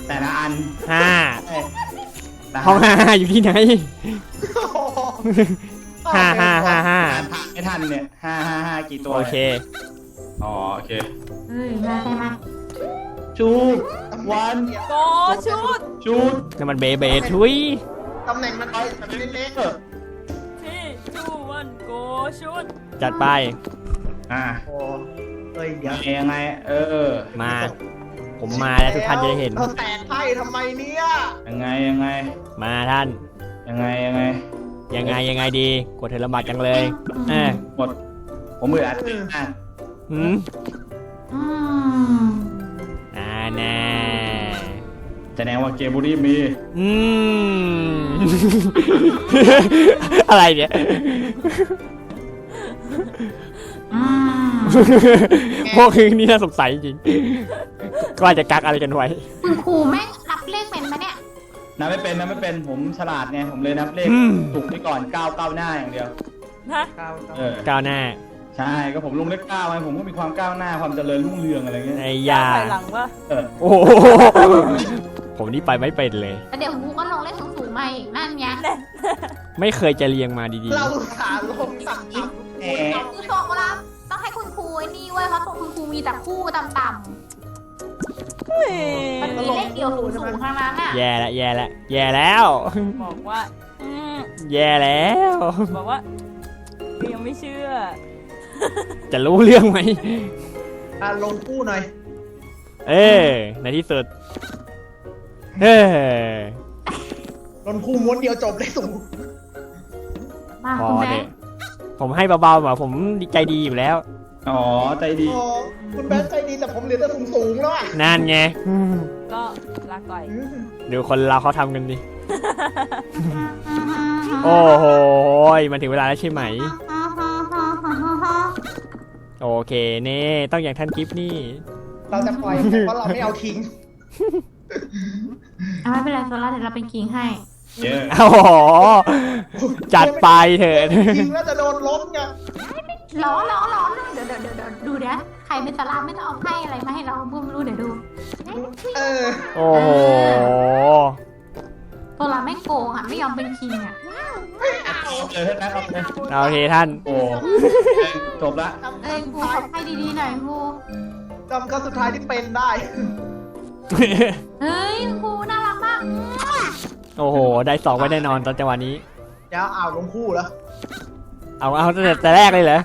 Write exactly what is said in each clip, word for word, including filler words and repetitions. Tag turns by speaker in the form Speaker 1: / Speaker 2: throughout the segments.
Speaker 1: แต่ละอัน
Speaker 2: ห้า
Speaker 1: แต่
Speaker 2: ห้องห้าอยู่ที่ไหนห้าห้าห้าห้า
Speaker 1: ไม่ทันเนี่ยห้าห้าห้ากี่ตัว
Speaker 2: โอเค
Speaker 1: อ๋อโอเค
Speaker 3: เฮ้ยมาใช่ไหม
Speaker 1: ชูวัน
Speaker 4: โกชุด
Speaker 1: ชูด
Speaker 2: นั่นมันเบเบทุย
Speaker 5: ตำแหน่งมันไปแบบเล็ก
Speaker 4: ที่ชูวันโกชุด
Speaker 2: จัดไป
Speaker 1: อ่า
Speaker 5: ๆโอ้เอ้ยเดี๋ยว
Speaker 1: ยังไงเออ
Speaker 2: มา ผมมาแล้วทุกท่านจะได้เห็น
Speaker 5: เราแตกไพ่ทำไมเนี่ย
Speaker 1: ยังไงยังไง
Speaker 2: มาท่าน
Speaker 1: ยังไงยังไง
Speaker 2: ยังไงยังไงดีกดเธอลำบากจังเลยเออ
Speaker 1: หมดผมเบื่ออัดอ่ะ
Speaker 2: หืม
Speaker 3: อืม
Speaker 2: อ่าแน่
Speaker 1: แสดงว่าเกมบุรีมี
Speaker 2: อืม อะไรเนี่ย
Speaker 3: อืม
Speaker 2: พวกคือนี่น่าสงสัยจริงก็อาจจะกักอะไรกันไว้
Speaker 3: คุณครูแม่งนับเลขเป็นปะเนี่ย
Speaker 1: นับไม่เป็นนับไม่เป็นผมฉลาดไงผมเลยนับเลข
Speaker 2: อืม
Speaker 1: ถูกไปก่อนเก้าเก้าหน้าอย่างเดียว
Speaker 4: ฮะ
Speaker 5: ก้าว
Speaker 1: เออ
Speaker 2: ก้าวหน้า
Speaker 1: ใช่ก็ผมลงเลขเก้าไงผมก็มีความก้าวหน้าความเจริญรุ่งเรืองอะไรเงี้ย
Speaker 2: ไอ้ยา
Speaker 4: ถอยหลังวะ
Speaker 1: เออ
Speaker 2: โอ้โหผมนี่ไปไม่เป็นเลย
Speaker 3: แล้วเดี๋ยวครูก็ลงเลขสูงๆมาอีกนั่นไง
Speaker 2: ไม่เคยจะเรียงมาดี
Speaker 5: เราขาลงต่ำๆ
Speaker 1: แหม
Speaker 3: คือโตเวลาต้องให้คุณครูไอ้นี่เว้ยเพราะตัวคุณครูมีแต่คู่ต่ำ
Speaker 4: เฮ้ย
Speaker 3: ๆมันมีเลขเดียวสูงๆทั้งนั้นอ่ะ
Speaker 2: ๆ แย่ละแย่ละแย่แล้ว
Speaker 4: บอกว่าอืม
Speaker 2: แย่แล้ว
Speaker 4: บอกว่ายังไม่เชื่อ
Speaker 2: จะรู้เรื่องไหม
Speaker 5: อ่ะลงคู่หน่อย
Speaker 2: เออในที่สุด เออ
Speaker 5: ลงคู่ม้วนเดียวจบเลยสูง
Speaker 3: มา
Speaker 2: พอ
Speaker 3: คุณแม่
Speaker 2: เด็ผมให้เบาๆแบบผมใจดีอยู่แล้ว
Speaker 1: อ๋อใจดี
Speaker 5: อ๋อคุณแบงค์ใจดีแต่ผมเหลือแต่สูงๆแล้วอ่ะ
Speaker 2: นั่นไงอืม
Speaker 4: ก็ลาก่อย
Speaker 5: อืม
Speaker 2: ดูคนเราเขาทำกันดิ โอ้โหมันถึงเวลาแล้วใช่ไหม โอเคเน่ต้องอย่างท่านกิฟต์นี่
Speaker 5: เราจะปล่อยเพราะเราไม่เอาทิ้ง
Speaker 3: เอาไม่เป็นไรโซล่าเดี๋ยวเราเป็นกิ่งให้
Speaker 1: เยอะ
Speaker 2: โอ้โหจัดไปเถิด
Speaker 5: ทิ้งแล้วจะโดนล้มไง
Speaker 3: ล้อล้อล้อเดี๋ยวเดี๋ยวเดี๋ยวเดี๋ยวดูเดี๋ยวใครเป็นโซล่าไม่ต้องเอาไพ่อะไรมาให้เราบุ้มรู้เดี๋ยวดู
Speaker 5: เออ
Speaker 2: โอ้โห
Speaker 3: โซล่าไม่โกงอ่ะไม่ยอมเป็นคิงอ่ะ
Speaker 1: เอาเลยท่านนะเอาเลย
Speaker 2: โอเคท่าน
Speaker 1: โอ้จบละ
Speaker 3: เอ้ยครูขอไพ่ดีๆหน่อยครู
Speaker 5: จำครั้งสุดท้ายที่เป็นได้
Speaker 3: เฮ้ยครูน่ารักมาก
Speaker 2: โอ้โห ได้สองไว้แน่นอนตอนจังหวะนี้
Speaker 5: เดี๋ยวเอาลงคู่แล้ว
Speaker 2: เอาเอาตั้งแต่แต่แรกเลยเหรอ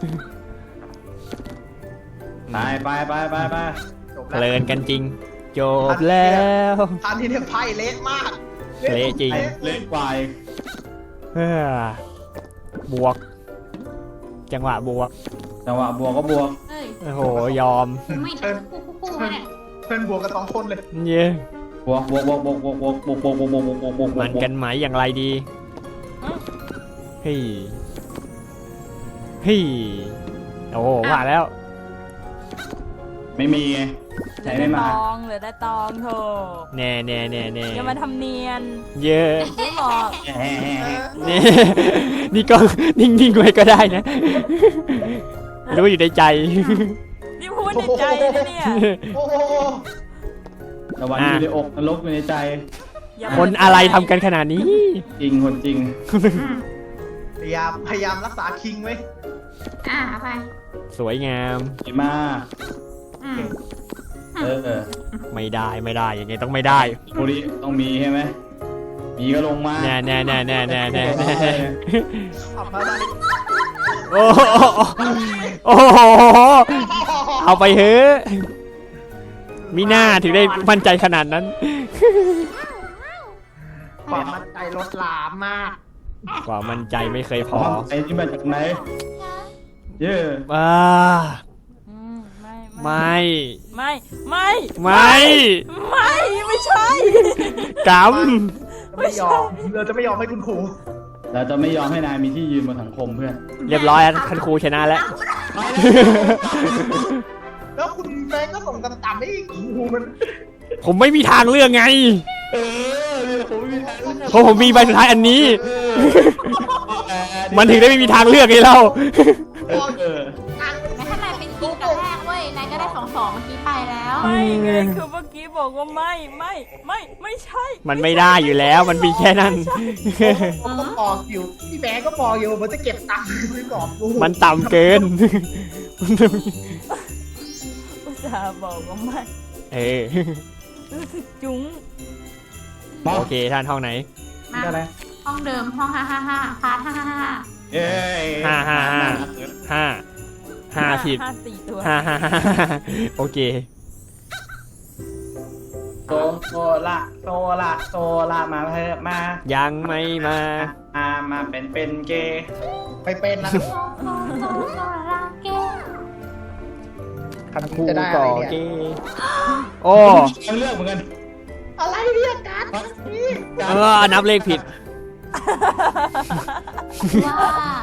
Speaker 1: ไปไปไปไปไป
Speaker 5: จบ
Speaker 2: เพ
Speaker 5: แล้ว
Speaker 2: ลินกันจริง จบแล้ว
Speaker 5: ทันที่เนี่ยไพ่เละมาก
Speaker 2: เละจริง
Speaker 1: เล็กกว่าอีก
Speaker 2: เฮ้อบวก จังหวะบวก
Speaker 1: จังหวะบวกก็บวก
Speaker 3: เฮ้ย
Speaker 2: โอ้โห ยอม
Speaker 3: ครูไม่ได้คู่คู่คู่ไหมเนี่ย
Speaker 5: เพื่อนบวกกันสองคนเลย
Speaker 2: เย้
Speaker 1: บวกบวกบวกบวกบวกบวกบวกบวกบวกบวกบวกบวกบวก
Speaker 2: มันกันไหมอย่างไรดี เฮ้ย เฮ้ย โอ้โหผ่านแล้ว
Speaker 1: ไม่มีไง
Speaker 4: เห
Speaker 1: ใช้
Speaker 4: ลือ
Speaker 1: ไม่
Speaker 4: ได้
Speaker 1: มา
Speaker 4: ตองเหลือได้ตองโถ
Speaker 2: แน่แน่แน่แน่
Speaker 4: อย่ามาทำเนียน
Speaker 2: เยอะ
Speaker 4: ไม่บอก
Speaker 2: นี่ นี่ก็นิ่งๆไว้ก็ได้นะ รู้อยู่ในใจ
Speaker 4: นี่พูดในใจนะเนี่ย
Speaker 5: โอ้โห
Speaker 1: ตะวันอยู่ในอกนรกอยู่ในใจ
Speaker 4: อย่า
Speaker 2: คนอะไรทำกันขนาดนี้
Speaker 1: จริงคนจริง
Speaker 5: พยายามพยายามรักษาคิงไว้
Speaker 3: อ่าไป
Speaker 2: สวยงาม
Speaker 1: ดีมาก
Speaker 3: อืม
Speaker 1: เออเออ
Speaker 2: ไม่ได้ไม่ได้ยังไงต้องไม่ได้
Speaker 1: บุรีต้องมีใช่ไหมมีก็ลงมา
Speaker 2: แน่แน่แน่แน่แน่แน่แน่
Speaker 5: ขับมาได้
Speaker 2: โอ้โหโอ้โหเอาไปเถอะมีหน้าถึงได้มั่นใจขนาดนั้น
Speaker 5: ความมั่นใจลดหลามมาก
Speaker 2: กว่ามั่นใจไม่เคยพ
Speaker 1: พร้
Speaker 2: อ
Speaker 1: อมไอ้ที่มาจากไหนเยอะ
Speaker 2: ว้า
Speaker 4: อืมไม่
Speaker 2: ไม่
Speaker 4: ไม่ไม่
Speaker 2: ไม่
Speaker 4: ไม่ไม่ใช่
Speaker 2: ก
Speaker 5: จะไม่ยอมเราจะไม่ยอมให้คุณครู
Speaker 1: เราจะไม่ยอมให้นายมีที่ยืนบนสังคมเพื่อน
Speaker 2: ำเรียบร้อยแล้วท่านครูชนะแล้ว
Speaker 5: แล้วคุณแบงค์ก็ส่งต่ำๆให้ครูมัน
Speaker 2: ผมไม่มีทางเลือกไง
Speaker 1: เออเนี่ยผมไม่มีทางเลือก
Speaker 2: เพราะผมมีใบสุดท้ายอันนี้ มันถึงได้ไม่มีทางเลือกไงเรา
Speaker 1: เออเออ
Speaker 3: ไม่ถ้านายเป็นคิงแต่แรกเว้ยนายก็ได้สองสองเมื่อกี้ไปแล้ว
Speaker 4: ไม่ไงคือเมื่อกี้บบอกว่าไม่ไม่ไม่ไม่ใช่
Speaker 2: มันไม่ได้อยู่แล้วมันมีแค่นั้น
Speaker 5: ผมก็บอกอยู่พี่แบงค์ก็บอกอยู่มันจะเก็บตังค์ซื้อกรอบกู
Speaker 2: มันต่ำเกิน
Speaker 4: อุตส่าห์บอกว่าไม่
Speaker 2: เออ
Speaker 4: รู้สึกจุ๋ง
Speaker 1: มา
Speaker 2: โอเคท่านห้องไหน
Speaker 3: มา
Speaker 1: ได้ไหม
Speaker 3: ห้องเดิมห้องห้าห้าห้าพาร์ทห้าห้าห้า
Speaker 1: เอ้ย
Speaker 2: ห้าห้าห้า ห้าห้าผิด
Speaker 4: ห้าสี่ตัว
Speaker 2: ห้าห้าห้าโอเค
Speaker 1: โซโซละโซละโซละมาเถอะมา
Speaker 2: ยังไม่มา
Speaker 1: มามาเป็นเป็นเกย์
Speaker 5: ไปเป็นนะ
Speaker 3: โซโซโซโซลาเกะ
Speaker 5: คัน
Speaker 2: ครู
Speaker 5: จะได้อะ
Speaker 2: ก่อ
Speaker 5: ไรเนี่ย
Speaker 2: เกโอ้
Speaker 1: ยังเลือกเหมือนกัน
Speaker 5: อะไรเนี่ยการดนี่
Speaker 2: เออนับเลขผิด
Speaker 3: ว่า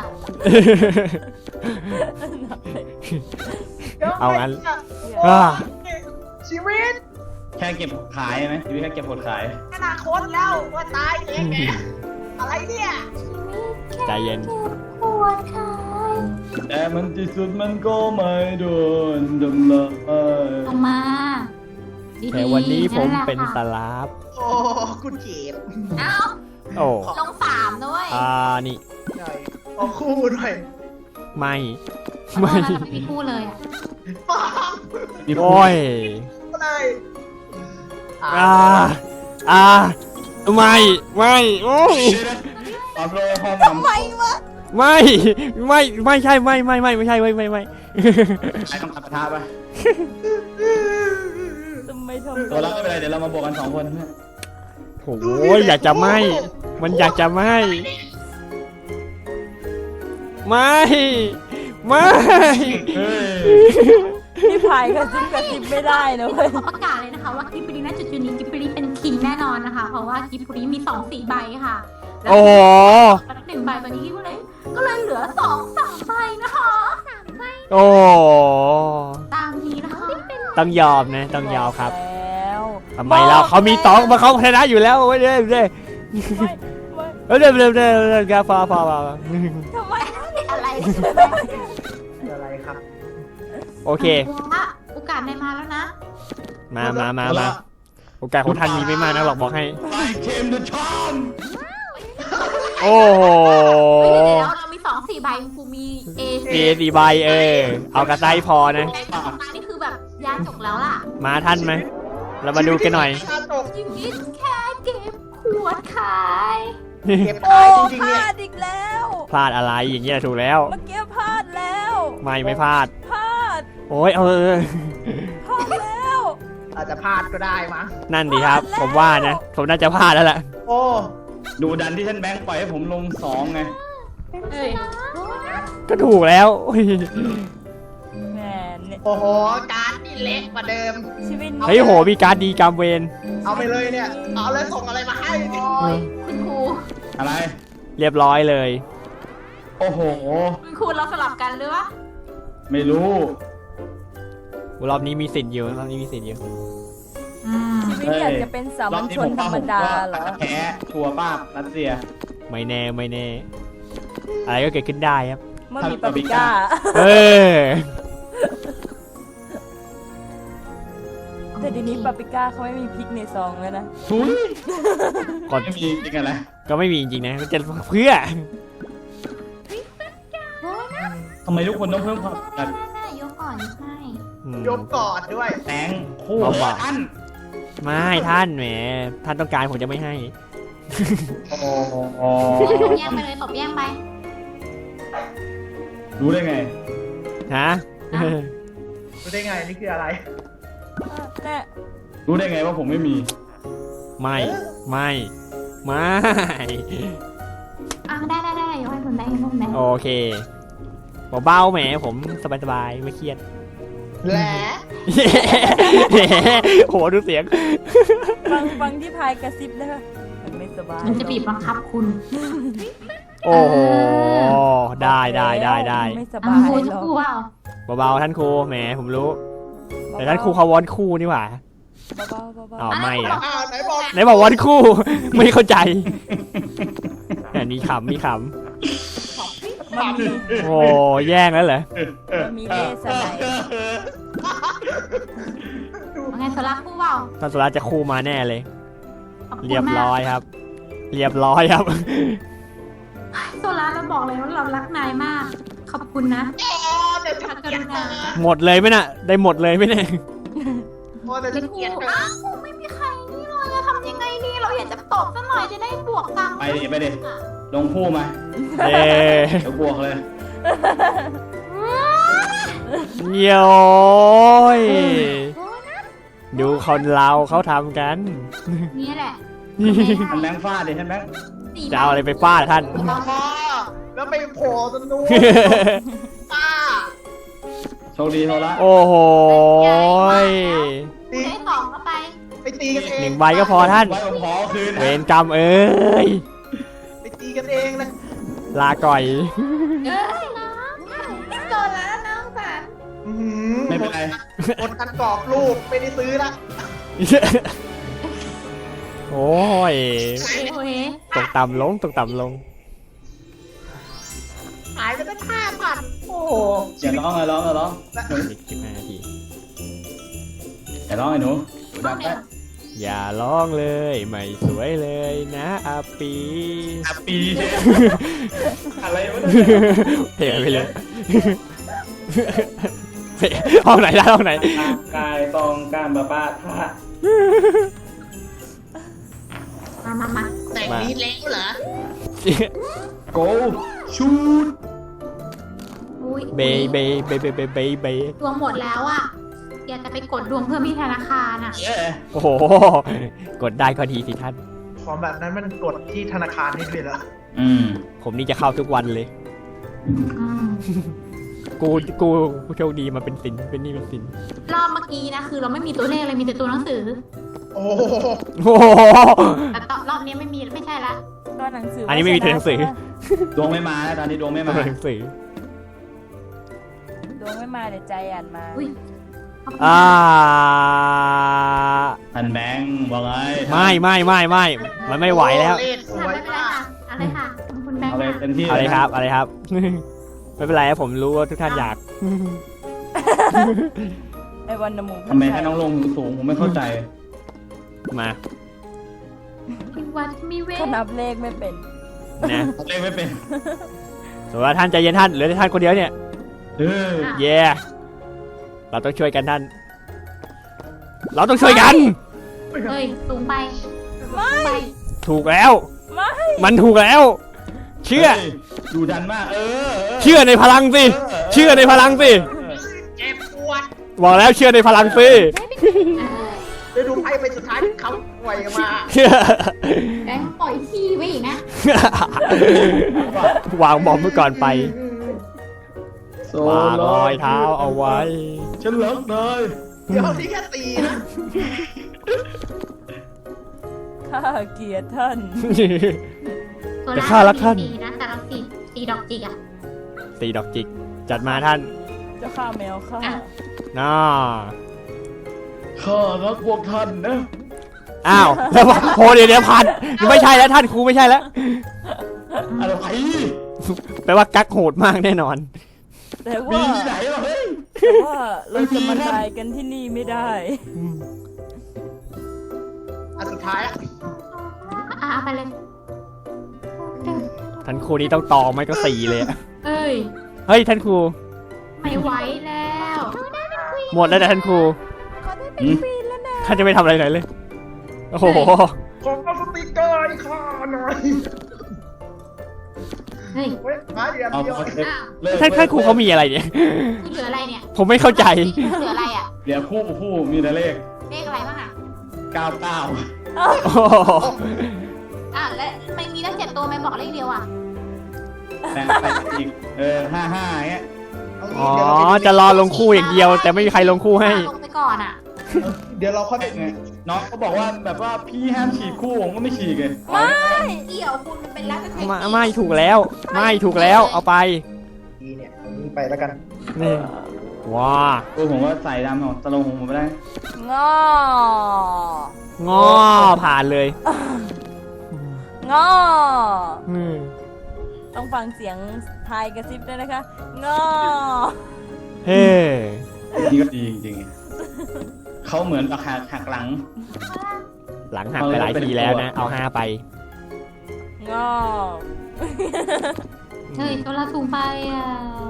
Speaker 2: เอางั้น
Speaker 5: โอ้
Speaker 2: อ่า
Speaker 5: ชีวิต
Speaker 1: แค่เก็บขายไหมชีวิตแค่เก็บผลขาย
Speaker 5: อนาคตแล้วว่าตายเองแกอะไรเนี่ย
Speaker 2: ใจเย็น
Speaker 3: ปวดขา
Speaker 1: แต่มันที่สุดมันก็ไม่โดนดำลาย
Speaker 3: ลงมาดีๆ
Speaker 2: แต่วันนี้ผม
Speaker 3: แหละ
Speaker 2: เป็นส
Speaker 3: ค่ะ
Speaker 2: ลาฟ
Speaker 5: โอ้คุณเก็บ
Speaker 3: เอ้า
Speaker 2: โอ้
Speaker 3: ลงสามด้วย
Speaker 2: อ่านี่
Speaker 5: หน่อยเอาคู่หน่อย
Speaker 2: ไม่
Speaker 3: ไม่
Speaker 2: ไม่
Speaker 3: ไม่มีคู่เลยอ่ะ
Speaker 5: ปัง
Speaker 2: โอ้ย
Speaker 5: เลยอ่า
Speaker 2: อ่าอ่าไม่ไม่โอ้ย
Speaker 1: ตอนโลห้องน้ำ
Speaker 2: ไม่ไม่ไม่ใช่ไม่ไม่ไม่ไม่ใช่ไม่ไม่ไม่
Speaker 1: ใช้คำตัดประทาปะ
Speaker 4: ทำไมทำ
Speaker 1: ตัวเราไม่เป็นไรเดี๋ยวเรามาบวกกันสองคนเพื่อน
Speaker 2: โอ้ยอยากจะไม่ มันอยากจะไม่ ไม่ ไม่
Speaker 1: เฮ้ย
Speaker 4: พี่พายกระซิบกระซิบไม่ได้นะเว้ย
Speaker 3: ขอประกาศเลยนะคะว่ากิบปุรีณจุดจุดนี้กิบปุรีเป็นคิงแน่นอนนะคะ เพราะว่ากิบปุรีมีสองสี่ใบค่ะแล้ว
Speaker 2: โอ้โห
Speaker 3: หนึ่งใบตอนนี้ก็เลยก็เลยเหลือสองสามใบนะคะสามใบ
Speaker 2: โอ้
Speaker 3: ตามนี้นะคะ
Speaker 2: ต้องยอมนะต้องยอมครับ
Speaker 4: แล้ว
Speaker 2: ทำไมเราเขามีตองมาเขาชนะอยู่แล้วเว้ยเด้เด้
Speaker 4: ไม่ไม่
Speaker 2: เออเด้เด้เด้เด้กาฟาฟาฟา
Speaker 4: ทำไม
Speaker 3: อะไร
Speaker 5: อะไรครับ
Speaker 2: โอเค
Speaker 3: ว่าโอกาสในมาแล้วนะ
Speaker 2: มามามามาโอกาสของท่านมีไม่มากนะหรอกบอกให้
Speaker 1: ไอเคมเดอะชอม
Speaker 2: โอ้โห
Speaker 3: เฮ้ยเดี๋ยวเรามีสองสี่ใบครูมีเอ
Speaker 2: เอดีใบเออ เอากระไตพอนะ
Speaker 3: แบงค์กับมานี่คือแบบยาจกแล้วล่ะ
Speaker 2: มาท่านไหม เรามาดูกันหน่อย
Speaker 5: ชีวิตที่
Speaker 3: ชีวิตแค่เก็บขวดขาย
Speaker 5: เก็บ
Speaker 4: โอ้
Speaker 5: ขายจริง
Speaker 4: พ
Speaker 5: ๆเนี่ย
Speaker 4: ลาดอีกแล้ว
Speaker 2: พลาดอะไรอย่างเงี้ยถูกแล้ว
Speaker 4: เมื่อกี้พลาดแล้ว
Speaker 2: ไม่ไม่พลาด
Speaker 4: พลาด
Speaker 2: โอ้ยเออ
Speaker 4: พลาดแล้ว
Speaker 5: อาจจะพลาดก็ได้มั้ง
Speaker 2: นั่นดีครับ ผมว่านะ ผมน่าจะพลาดแล้วล่ะ
Speaker 5: โอ้
Speaker 1: ดูดันที่ท่านแบงค์ปล่อยให้ผมลงสองไง
Speaker 3: เอ้ย
Speaker 2: ก็ถูกแล้วโอ้ย
Speaker 4: แหมเนี่ย
Speaker 5: โอ้โหการ์ดนี่เล็กกว่าเดิม
Speaker 4: ชีวิต
Speaker 2: เฮ้ยโหมีการดดีกรรมเวร
Speaker 5: เอาไปเลยเนี่ย เอาเลยส่งอะไรมาให้
Speaker 3: โอ้ยคุณครู
Speaker 1: อะไร
Speaker 2: เรียบร้อยเลย
Speaker 1: โอ้โห
Speaker 3: คุณครูเราสลับกันหรือวะ
Speaker 1: ไม่รู้
Speaker 2: รอบนี้มีสิทธิ์อยู่รอบนี้มีสิทธิ์อยู่
Speaker 3: อืม
Speaker 4: ชีวิตอยากจะเป็นสามัญชนธรรมดาเหรอ
Speaker 1: แพ้ชัวร์ป้าบรัสเซีย
Speaker 2: ไม่แน่ไม่แน่ อะไรก็เกิดขึ้นได้ครับ
Speaker 4: เมื่อมีปาปริก้า
Speaker 2: เออ
Speaker 4: แต่เดี๋ยวนี้ปาปริก้าเขาไม่มีพริกในซองแล้วนะ
Speaker 1: ทุย
Speaker 2: ก่อน
Speaker 1: ไม่มีจริงกันเลย
Speaker 2: ก็ไม่มีจริงๆนะจะเพื่อ
Speaker 1: ทำไมทุกคนต้องเพิ่มความกัน
Speaker 3: ได้ๆๆยกก่อนให้
Speaker 2: อืม
Speaker 5: ยกกอดด้วย
Speaker 1: แตงคู่
Speaker 2: เอาว่ะ
Speaker 1: ท่าน
Speaker 2: ไม่ท่านแหม ท่านต้องการผมจะไม่ให้
Speaker 1: โอ้โห
Speaker 3: ตบแย่งไปเลยตบแย่งไป
Speaker 1: รู้ได้ไง
Speaker 2: ฮะ
Speaker 5: รู้ได้ไงนี่คืออะไร
Speaker 4: แต่
Speaker 1: รู้ได้ไงว่าผมไม่มี
Speaker 2: ไม่ ไม่ ไม่
Speaker 3: อ่ะได้ได้ได้ยกให้คุณได้ยกให้คุณได้
Speaker 2: โอเคเบาๆแหมผมสบายๆไม่เครียด
Speaker 5: แหละ
Speaker 2: โหดูเสียง
Speaker 4: ฟังฟังที่พายกระซิบนะคะมันไม่สบาย
Speaker 3: มันจะบีบบังคับคุณ
Speaker 2: โอ้โห ได้ได้ได้ได้
Speaker 4: ไม่ส
Speaker 3: อ่ะ
Speaker 4: บาย
Speaker 3: ครู
Speaker 4: ห
Speaker 3: จะ
Speaker 4: รอก
Speaker 3: กลัวเปล่า
Speaker 2: เบาๆท่านครูแหมผมรู้ แต่ท่านครูเขาวอนคู่นี่หว่า
Speaker 4: เบาๆเบา
Speaker 2: อ๋อไม่อะ
Speaker 5: อ้าวไหนบอก
Speaker 2: ไหนบอกวอนคู่ ไม่เข้าใจอันนี้ขำมีข
Speaker 4: ๆมันมี
Speaker 2: ำโอ้แย่งแล้วเหรอ
Speaker 4: มันมีเลสไนด์
Speaker 3: ว่าไงสลักคู่เปล่า
Speaker 2: ท่านสุราจะคู่มาแน่เลย
Speaker 3: ขอบคุณ
Speaker 2: เรียบ
Speaker 3: มาก
Speaker 2: ร้อยครับ เรียบร้อยครับ
Speaker 3: โซล่าเราบอกเลยว่าเรารักนายมาก ขอบคุณนะ
Speaker 5: อ๋อแต่
Speaker 3: พ
Speaker 5: ฉั
Speaker 3: ระ
Speaker 5: น
Speaker 3: ก
Speaker 5: เกลีย
Speaker 3: รุ
Speaker 5: ด
Speaker 3: ณา
Speaker 2: หมดเลยไหมน่ะ ได้หมดเลยไหมเนี่ย
Speaker 5: โอ้แต่
Speaker 3: เป็
Speaker 5: ฉั
Speaker 3: น
Speaker 5: น
Speaker 3: ค
Speaker 5: เกลียด
Speaker 3: รูอ้าวไม่มีใครนี่เลยจะทำยังไงดีเราอยากจะตบซะหน่อยจะได้บวกตังค์
Speaker 1: ไปดิไปดิลงคู่มา
Speaker 2: เย้
Speaker 1: เดี๋ยวบวกเลย
Speaker 2: เย้ยดูคนเราเขาทำกัน
Speaker 3: นี่แหละ
Speaker 1: ท่านแบงค์ฟาดดิท่านแบงค์
Speaker 2: จะเอาอะไรไปฟาดท่าน
Speaker 5: อ๋อแล้วไปโผล่ตรงนู้นป้า
Speaker 1: โชคดีโทละ
Speaker 2: โอ้โหย
Speaker 5: ตี
Speaker 3: ได้สองก็ไป
Speaker 5: ไปตีกันเอง
Speaker 2: หนึ่งใบก็พอท่าน
Speaker 1: ไว้ผมขอคืน
Speaker 2: เวรกรรมเอ้ย
Speaker 5: ไปตีกันเองเลย
Speaker 2: ลาก่อย
Speaker 3: เอ้ยนะโดนแล้วน้องสัน
Speaker 5: อื้อหือ
Speaker 1: ไม่เป็นไร
Speaker 5: หมดกันกรอบรูปไม่ได้ซื้อละ
Speaker 2: โอ้ย
Speaker 3: โอ้ย
Speaker 2: ตกต่ำลงตกต่ำลง
Speaker 5: หายไปตั้งห้าพันโอ้โห
Speaker 1: อย่าร้องอย่าร้องอย่าร้องหนู
Speaker 2: อีกสิบห้านาที
Speaker 1: อย่าร้องไอ้หนูดับไป
Speaker 2: อย่าร้องเลยไม่สวยเลยนะอาปี
Speaker 1: อับปี อะไรวะเนี่ย
Speaker 2: เพลงอะไรไปเลยเพลงห้องไหนได้ห้องไหน
Speaker 1: กายตองการบาบ้าท่า
Speaker 3: มามามา
Speaker 5: แต่งนี้แล้วเหรอ
Speaker 1: โกชูด
Speaker 3: อุ้ย
Speaker 2: เบย์เบย์เบย์เบย์เบย์เบย์เบย์
Speaker 3: ดวงหมดแล้วอ่ะอยากจะไปกดดวงเพิ่มที่ธนาคารอ่ะ
Speaker 1: เย้
Speaker 2: โอ้โห กดได้ก็ดีสิท่าน
Speaker 5: ของแบบนั้นมันกดที่ธนาคารนี่เลยเหรอ
Speaker 1: อืม
Speaker 2: ผมนี่จะเข้าทุกวันเลย
Speaker 3: อืม
Speaker 2: กูกูกูโชคดีมาเป็นสินเป็นหนี่เป็นสิน
Speaker 3: รอบเมื่อกี้นะคือเราไม่มีตัวเลขเลยมีแต่ตัวหนังสือ
Speaker 5: โอ้โห
Speaker 2: โอ้โห
Speaker 3: แต่ตอนรอบนี้ไม่มีไม่ใช่ละ
Speaker 4: ตัวหนังสือ
Speaker 2: อันนี้ไม่มีตัวหนังสือ
Speaker 1: ดวงไม่มาแล้วตอนนี้ดวงไม่
Speaker 2: ตัว
Speaker 1: มา
Speaker 2: หนังสือ
Speaker 4: ดวงไม่มาเดี๋ยวใจอ่านมา
Speaker 3: อุ้ยขบคุณ
Speaker 2: อ่า
Speaker 1: ท่านแบงค์ว่าไง
Speaker 2: ไม่ไม่ไม่ไม่มันไม่ไหวแล้ว
Speaker 5: เลขส
Speaker 3: ค่ะ
Speaker 5: วย
Speaker 3: ไม่เป็นไร
Speaker 5: มาก
Speaker 3: ค่ะอะไรค่ะขอบคุณแบง
Speaker 1: เอา
Speaker 3: ค์
Speaker 1: เลย
Speaker 3: ค่ะ
Speaker 1: เต็มที่
Speaker 2: อะไร
Speaker 1: เลย
Speaker 2: ครับอะไรครับ ไม่เป็นไรครับผมรู้ว่าทุกท่านอยาก
Speaker 4: ไอ้วันนมู
Speaker 1: ทำไมท่านต้องลงสูงผมไม่เข้าใจ
Speaker 2: มา
Speaker 3: มีวัดมีเวท
Speaker 4: เขานับเลขไม่เป็น
Speaker 2: นะ
Speaker 1: เล่นไม่เป็น
Speaker 2: สมมติว่าท่านใจเย็นท่านเหลือแต่ท่านคนเดียวเนี่ย
Speaker 1: เออ
Speaker 2: เย่เราต้องช่วยกันท่าน เราต้องช่วยกัน
Speaker 3: เฮ้ยสูงไปไม่ไป
Speaker 2: ถูกแล้ว
Speaker 4: ไม่
Speaker 2: มันถูกแล้ว เชื่อ
Speaker 1: ฮ้ยดูดันมาก เออ
Speaker 2: เชื่อในพลังสิ เชื่อในพลังสิ
Speaker 5: เจ็บปวด
Speaker 2: บอกแล้วเชื่อในพลังสิ
Speaker 5: เดี๋ยวดูไพ่ไปสุดท้ายเขาปล่อยมา
Speaker 3: แบงค์ปล่อยขี้ไว้อีกนะ
Speaker 2: วางบอมเมื่อก่อนไป
Speaker 1: โซ
Speaker 2: วางรอยเท้าเอาไว้
Speaker 1: ฉันเลิกเลย
Speaker 5: เดี๋ยวนี่แค่ตีนะ
Speaker 4: ข้าเกลียดท่าน
Speaker 3: ตัว
Speaker 2: แต่ข้ารักท่าน
Speaker 3: สีนะแต่เราสีสีดอกจิกอ่ะ
Speaker 2: ตีดอกจิก จัดมาท่าน
Speaker 4: เจ้าข้าแมวข้า
Speaker 3: อ่ะ
Speaker 2: น่า
Speaker 1: ข้ารักพวกท่านนะ
Speaker 2: อ้าวแล้วโหเดี๋ยวเดี๋ยวพันไม่ใช่แล้วท่านครูไม่ใช่แล้ว
Speaker 1: อะไร
Speaker 2: แปลว่ากักโหดมากแน่นอน
Speaker 4: แต่
Speaker 1: มี
Speaker 4: ว่า
Speaker 1: ที่ไหนวะเฮ้ย
Speaker 4: แต่ว่าเราจะมาตายกันที่นี่ไม่ได้
Speaker 5: อันสุดท้ายอะ
Speaker 3: อ่ะเอาไปเลย
Speaker 2: ท่านครูนี้ต้องต่อไม่ก็สี่เลยอะ
Speaker 3: เอ้ย
Speaker 2: เฮ้ยท่านครู
Speaker 3: ไม่ไหวแล้ว
Speaker 2: หมดแล้วนะท่านครู
Speaker 1: อืม
Speaker 2: ท่านจะไม่ทำอะไรไหนเลย โอ้โห
Speaker 5: ขอเอาสติกเกอร์ให้ข้าหน่อย
Speaker 3: เฮ้ย
Speaker 5: เฮ้ยหาเดียว
Speaker 1: เอา
Speaker 5: เดียว
Speaker 1: เอาเลิก
Speaker 3: อ้าว
Speaker 1: เลิก
Speaker 2: ท่านท่านครูเขามีอะไรเนี่ย
Speaker 3: คุณเหลืออะไรเนี่ย
Speaker 2: ผมไม่เข้าใจ
Speaker 3: เหลืออะไรอ่ะ
Speaker 1: เดี๋ยวคู่คู่มีแต่เลข
Speaker 3: เลขอะไรบ้างอ่ะ
Speaker 1: เก้าเก้า
Speaker 2: โอ้โห
Speaker 3: อ่ะและไม่มีตั้งเจ็ดตัวไม่บอกเลขเดียวอ่ะ
Speaker 1: แต่ไปอีก เออห้าห้าเงี้ย
Speaker 5: เอางี้
Speaker 2: อ๋อ
Speaker 5: เดี๋ยวเราไป
Speaker 2: จะรอลงคู่อย่างเดียว แต่ไม่มีใครลงคู่ให้
Speaker 3: ลงไปก่อนอ่ะ
Speaker 5: เดี๋ยวเราค่อยไป
Speaker 1: ไงน้องเขาบอกว่าแบบว่าพี่ห้ามฉีกคู่ผมก็ไม่ฉีกเลย
Speaker 4: ไม่
Speaker 3: เกี่ยวคุณมันเป็นรัฐเทคนิค
Speaker 2: ไม่ไม่ถูกแล้ว ไม่ถูกแล้ว เอาไป
Speaker 5: ดีเนี่ยเอานี้ไปแล้วกัน
Speaker 2: นี่ ว้า
Speaker 1: เออผมว่าใส่ดำของตะลงของผมไม่ได้
Speaker 4: งอง
Speaker 2: อผ่านเลย
Speaker 4: งอ
Speaker 2: อืม
Speaker 4: ต้องฟังเสียงทายกระซิบด้วยนะคะงอ
Speaker 2: เฮ้
Speaker 1: นี่ก็ดีจริงเขาเหมือนกับหักหักหลัง
Speaker 2: หลังหักไปหลายทีแล้วนะ เอาห้าไป
Speaker 4: งอ
Speaker 3: เฮ้ยตัวละสูงไปอ่ะ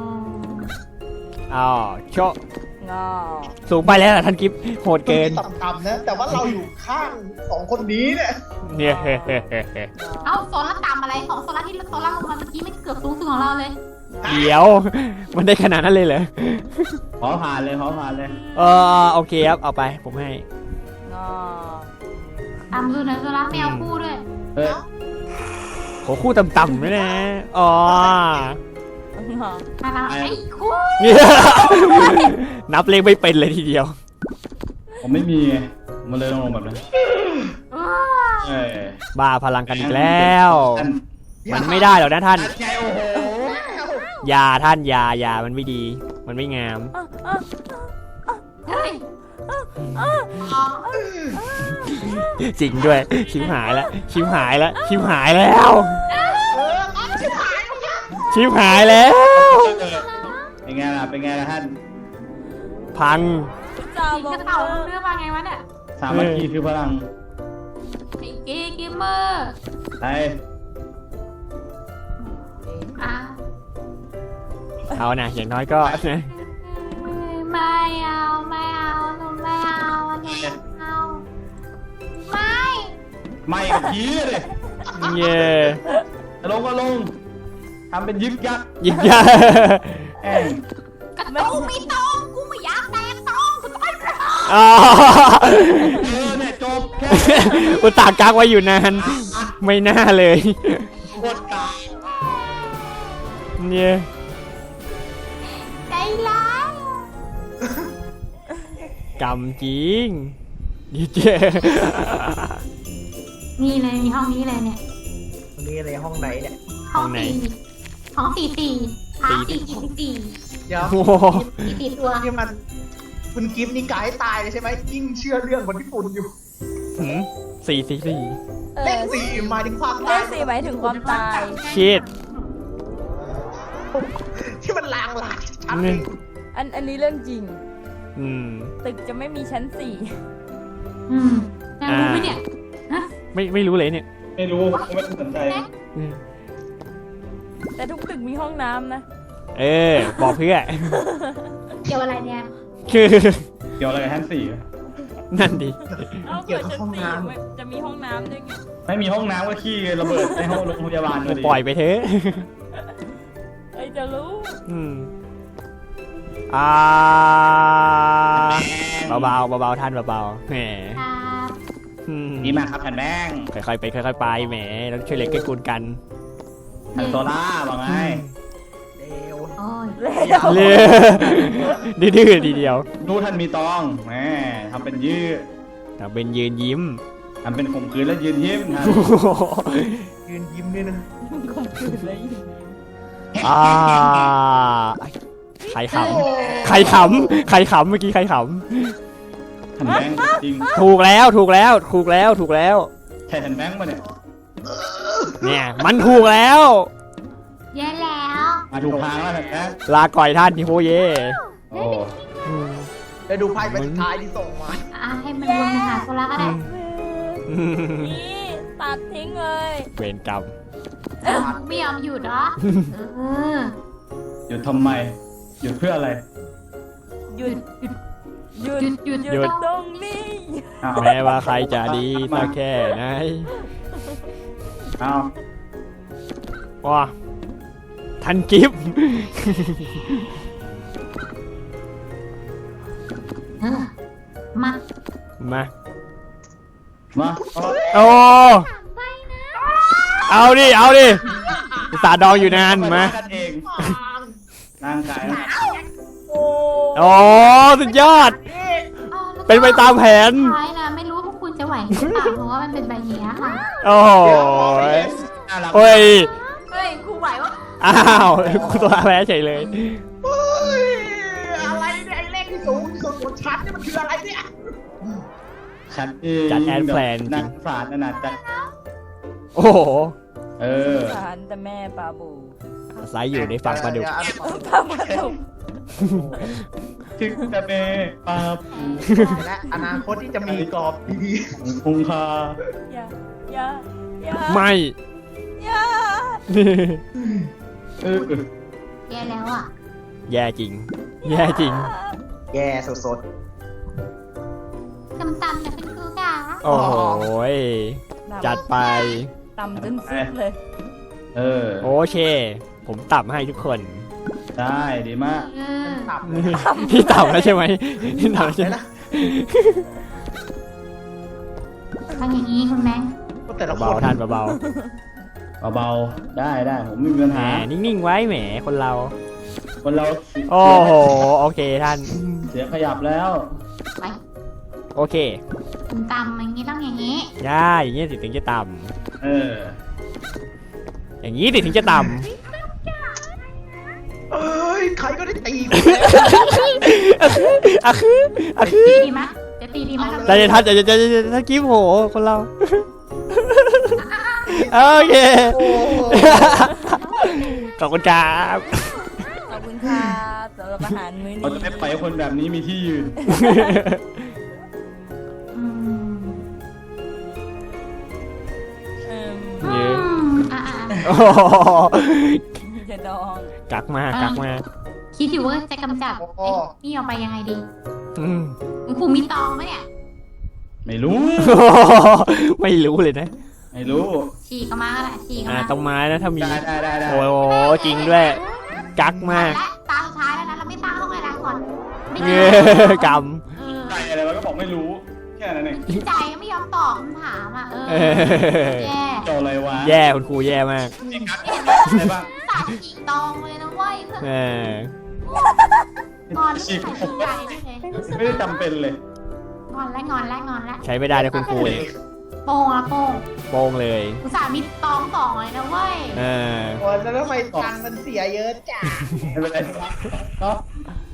Speaker 2: อ๋อโชะ
Speaker 4: งอ
Speaker 2: สูงไปแล้วเหรอท่านกิฟโหดเกิน
Speaker 5: ต่ำๆนะแต่ว่าเราอยู่ข้างสองคนนี้เนี่ย
Speaker 2: เนี่ย
Speaker 3: เอาโซล่าต่ำอะไรของโซล่าที่โซล่าลงมาเมื่อกี้ไม่เกือบสูงสุดของเราเลย
Speaker 2: เดี๋ยว มันได้ขนาดนั้นเลยเหรอ
Speaker 1: ขอผ่านเลยขอผ่านเลย
Speaker 2: เออโอเคครับ เอาไป ผมให้
Speaker 4: งอ
Speaker 3: ต่ำสุดนะโซล่าไม่เอาคู่ด้วย
Speaker 1: เฮ้ย
Speaker 2: โหคู่ต่ำๆด้วยนะ อ๋อ
Speaker 4: งอ
Speaker 3: มาละไอ้คู่
Speaker 2: นับเลขไม่เป็นเลยทีเดียว
Speaker 1: ผมไม่มีไงมันเลยต้องลงแบบนั้นเอ้ย
Speaker 2: บ้าพลังกันอีกแล้ว
Speaker 1: ท่าน
Speaker 2: มันไม่ได้หรอกนะท่าน
Speaker 1: ใจโอ้โห
Speaker 2: อยาท่านอยาอยามันไม่ดี มันไม่งาม
Speaker 3: เฮ้ย
Speaker 2: จริงด้วย ชิมหายแล้ว ชิมหายแล้ว ชิมหายแล้ว ชิมหายแล้ว
Speaker 1: เป็นไงล่ะเป็นไงล่ะท่าน
Speaker 2: พัง
Speaker 4: จ่า
Speaker 3: สี
Speaker 4: บอก
Speaker 3: กระเต่าเรื่องว่าไงวะเนี่ย
Speaker 1: สามัคคีคือพลัง
Speaker 3: ไอ้เกย์เกมเมอร์
Speaker 1: ไป
Speaker 3: อ่ะ
Speaker 2: เอานะอย่างน้อยก็
Speaker 3: ไม่เอาไม่เอาหนูไม่เอาหนูไม่เอาไม่
Speaker 1: ไม่กับผีเลย
Speaker 2: เย่
Speaker 1: จะลงก็ลงทำเป็นยึกยัก
Speaker 2: ยิงยา
Speaker 1: แอง
Speaker 3: กระตุ้งไม่ต้องกูไม่อยากแตกต้องกูต้องไป
Speaker 2: อ๋อ
Speaker 1: เออเนี่ยจบแค่
Speaker 2: อุตส่าห์กักไว้อยู่นาน ไม่น่าเลย
Speaker 1: กดตาย
Speaker 2: เนี่ย
Speaker 3: ใจร้าย
Speaker 2: กำจริงดีเจ
Speaker 3: นี่เลยมีห้องนี้เลยเนี่ย
Speaker 5: วันนี้ในห้องไหนเนี่ย
Speaker 3: ห้องสี่ห้องสี่สี่พาสี่สี่สี่
Speaker 5: เดี๋ยว
Speaker 2: โอ้โห
Speaker 3: สี่สี่ตัว
Speaker 5: นี่มันคุณกิฟต์นี่กายตายเลยใช่ไหมยิ่งเชื่อเรื่องคนญี่ปุ่นอยู่
Speaker 2: หืมสี่สี่สี่
Speaker 4: เอ
Speaker 5: เล
Speaker 4: อ
Speaker 5: ขสี่หมายถึงความ
Speaker 4: เล
Speaker 5: ตาย
Speaker 4: ขสี่หมายถึงความตาย
Speaker 2: ชิด
Speaker 5: ที่มันลางหลายชัด
Speaker 2: นี่
Speaker 4: อันอันนี้เรื่องจริง
Speaker 2: อืม
Speaker 4: ตึกจะไม่มีชั้นสี่
Speaker 3: อืมอยากรู้ไหมเนี่ยฮะ
Speaker 2: ไม่ไม่รู้เลยเนี่ย
Speaker 1: ไม่รู้ผมไม่สนใจ
Speaker 2: อืม
Speaker 4: แต่ทุกตึกมีห้องน้ำนะ
Speaker 2: เออ บอกเพื่อ
Speaker 3: เกี่ยวอะไรเนี่ย
Speaker 2: คือ
Speaker 1: เกี่ยวอะไรกับท่านสี่
Speaker 2: นั่นดิ
Speaker 4: เอ้าเกิดชั้นสี่ไม่จะมีห้องน้ำด้วยไง
Speaker 1: ไม่มีห้องน้ำก็ขี้ระเบิดในห้องโรงพยาบาลเลย
Speaker 2: ปล่อยไปเถอะ
Speaker 4: เอ้ยจะรู้
Speaker 2: อืมอ่าเบาๆเบาๆท่านเบาๆแหม
Speaker 3: ครับ
Speaker 2: อืม
Speaker 1: ดีมากครับท่านแบงค์
Speaker 2: ค่อยๆไปค่อยๆไปแหมต้องช่วยเหล็กเกื้อกูลกัน
Speaker 1: ท่านโซล่าบอกไง
Speaker 5: เร็ว
Speaker 3: โอ้ย
Speaker 2: เลือดื้อๆทีเดียว
Speaker 1: ดูท่านมีตองแหมทำเป็นยืด
Speaker 2: แต่เป็นยืนยิ้ม
Speaker 1: ทำเป็นข่มขืนแล้วยืนยิ้มท่าน
Speaker 2: โอ้โห
Speaker 5: ยืนยิ้มด้วยนะ
Speaker 4: ข่มขืนเลย
Speaker 2: อ่าใครขำใครขำใครขำเมื่อกี้ใครข
Speaker 1: ท่านแบงค์จริง
Speaker 2: ำถูกแล้วถูกแล้วถูกแล้วถูกแล้ว
Speaker 1: ใช่ท่านแบงค์ปะเนี่ย
Speaker 2: เนี่ยมันถูกแล้ว
Speaker 3: แย่แล้ว
Speaker 1: มาถูกทางแล้วท่านแบงค์
Speaker 2: ลาก่อยท่านนิโฮเย่
Speaker 1: โอ้
Speaker 2: อืม
Speaker 5: ได้ดูไพ่ใบสุดท้ายที่ส่งมา
Speaker 3: อ่ะให้มันวนไปหาโซล่าก็ได้
Speaker 2: อืม
Speaker 4: นี่ตัดทิ้งเลย
Speaker 2: เวรกรรม
Speaker 3: เออไม่ยอมหยุดเหรอเออ
Speaker 1: หยุดทำไมหยุดเพื่ออะไร
Speaker 4: หยุดหยุด
Speaker 3: หยุดหยุด
Speaker 4: หยุดตรงนี้
Speaker 1: อ้าว
Speaker 2: แม้ว่าใครจะดีสักแค่ไหน
Speaker 1: อ้าว
Speaker 2: ว้าทันกิฟต์
Speaker 3: เออมา
Speaker 2: มา
Speaker 1: มาเอา
Speaker 2: โอ้
Speaker 3: ไปนะ
Speaker 2: เอาดิ เอาดิสาดองอยู่นานมา
Speaker 1: กันเองร่างกายนะ
Speaker 4: โอ้
Speaker 2: โอ้สุดยอด
Speaker 3: อ๋อแล้วก็
Speaker 2: เป็นไปตามแผน
Speaker 3: ท้ายนะไม่รู้ว่าพวกคุณจะไหวหรือเปล่าเพราะว่ามันเป็นใบเนี้ยค่ะ
Speaker 2: โอ้โห
Speaker 1: น่ารัก
Speaker 2: เฮ้ย
Speaker 3: เฮ้ยครูไหววะ
Speaker 2: อ้าวกูตัวแพ้เฉยเลย
Speaker 5: เฮ้ยอะไรเนี่ยไอ้เลขที่สูงที่สุดของชั้นนี่มันคืออะไรเนี่ย
Speaker 1: ชัดเอง
Speaker 2: จัดแอนแพลนจริง
Speaker 1: นักศาสตร์นั่นน่ะจัด
Speaker 2: โอ้โห
Speaker 1: เออ
Speaker 4: สารแต่แม่ปลาบู
Speaker 2: อาศัยอยู่ในฝั่งปลาดุก
Speaker 5: เยว
Speaker 4: ปลาปลาดุก
Speaker 1: ถึกจะเมปาปู
Speaker 5: และอนาคตที่จะมีกรอบดี
Speaker 1: คงคา
Speaker 4: อย่าอย่าอย่า
Speaker 2: ไม่
Speaker 4: อย่า
Speaker 1: เออ
Speaker 3: แย่แล้วอ่ะ
Speaker 2: แย่จริง แย่จริง
Speaker 5: ๆแย่สด
Speaker 3: ตำตำแต่เป็นครูจ๋า
Speaker 2: โอ้โหยจัดไป
Speaker 4: ต่ำจนสุดเลย
Speaker 1: เออ
Speaker 2: โอเค ผมตับให้ทุกคน
Speaker 1: ได้ดีมาก
Speaker 3: เออ
Speaker 5: ๆตับ
Speaker 2: พี่ตับแล้วใช่ไหมพี่ตับแล้วใช่
Speaker 5: เลย
Speaker 2: ไหม
Speaker 5: นะ
Speaker 3: ทำอย่างนี้คุณแม่
Speaker 5: ก็แต่ละค
Speaker 2: เบาน ๆท่านเบา
Speaker 1: เบาๆได้ได้ผมไม่มีปัญ
Speaker 2: ๆแหม
Speaker 1: หา
Speaker 2: นิ่งๆไว้แหมคนเรา
Speaker 1: คนเรา
Speaker 2: โอ้โห โอเคท่าน
Speaker 1: เสียขยับแล้ว
Speaker 3: ไป
Speaker 2: โอเค
Speaker 3: ตำตำอย่างนี้ต้องอย่างนี้
Speaker 2: ได้อย่างนี้สิถึงจะต่
Speaker 1: เออ
Speaker 2: ำอย่างนี้สิถึงจะต่
Speaker 5: เอ้ยใครก็ได้ตี
Speaker 2: ำอะคืออะคืออะคือ
Speaker 3: ตีดีไหมจะตีดีไหม
Speaker 2: ใจเย็นท่านใจเย็นใจเย็นใจเย็นท่านกิ๊บโหคนเรา โอเค
Speaker 5: โอ้โห
Speaker 2: ขอบคุณครับ
Speaker 4: ขอบคุณครับสำหรับอาหารมื้อนี้
Speaker 1: เราจะไม่ปล่อยให้คนแบบนี้มีที่ยืน
Speaker 3: อืม
Speaker 4: เอิ่ม
Speaker 3: อืมอ่ะอ่ะอ่ะ
Speaker 2: โอ้โห
Speaker 4: จะดอง
Speaker 2: กักมากกักมาก
Speaker 3: คิดอยู่ว่าจะกำจัดไอ้นี่ออกไปยังไงดี
Speaker 2: อืม
Speaker 3: คุณครูมีตองไหมเนี่ย
Speaker 1: ไม่รู้
Speaker 2: ไม่รู้เลยนะ
Speaker 1: ไม่รู้
Speaker 3: ฉีกออกมาก็ได้ฉีกออก
Speaker 2: อ่า
Speaker 3: มา
Speaker 2: ต้องไม้นะถ้ามี
Speaker 1: ได้ได้ได้ได้
Speaker 2: โอ้โหจริงด้วย กักมาก
Speaker 3: และตาสุดท้ายแล้วนะเราไม่ตั้งห้องอะไรก่อนไม่
Speaker 2: เง
Speaker 3: ได้
Speaker 2: กรรม
Speaker 3: เออ
Speaker 1: ใจอะไรวะก็บอกไม่รู้ แค่นั้นเอง
Speaker 3: ใจก็ไม่ยอมตอบคำถามอ่ะเออ
Speaker 2: เออ
Speaker 3: แย่
Speaker 1: เจ้าอะไรวะ
Speaker 2: แย่คุณครูแย่มาก
Speaker 1: นี่กัดอะไรบ้าง
Speaker 3: สาดฉีกตองเลยนะเว้ยเพื่อน
Speaker 2: เออ
Speaker 3: งอนไม่ใส่ใจเลย
Speaker 1: ไม่ได้จำเป็นเลย
Speaker 3: งอนและงอนและงอนและ
Speaker 2: ใช้ไม่ได้นะคุณครูเนี่ย
Speaker 3: โป่งละโป่ง
Speaker 2: โป้งเลย
Speaker 3: อุตส่าห์มีตองสองเลยนะเว้ย
Speaker 2: เออ
Speaker 5: โอ้ยแล้วทำไมตังค์มันเสียเยอะจัง
Speaker 1: ไม่เป็นไรก็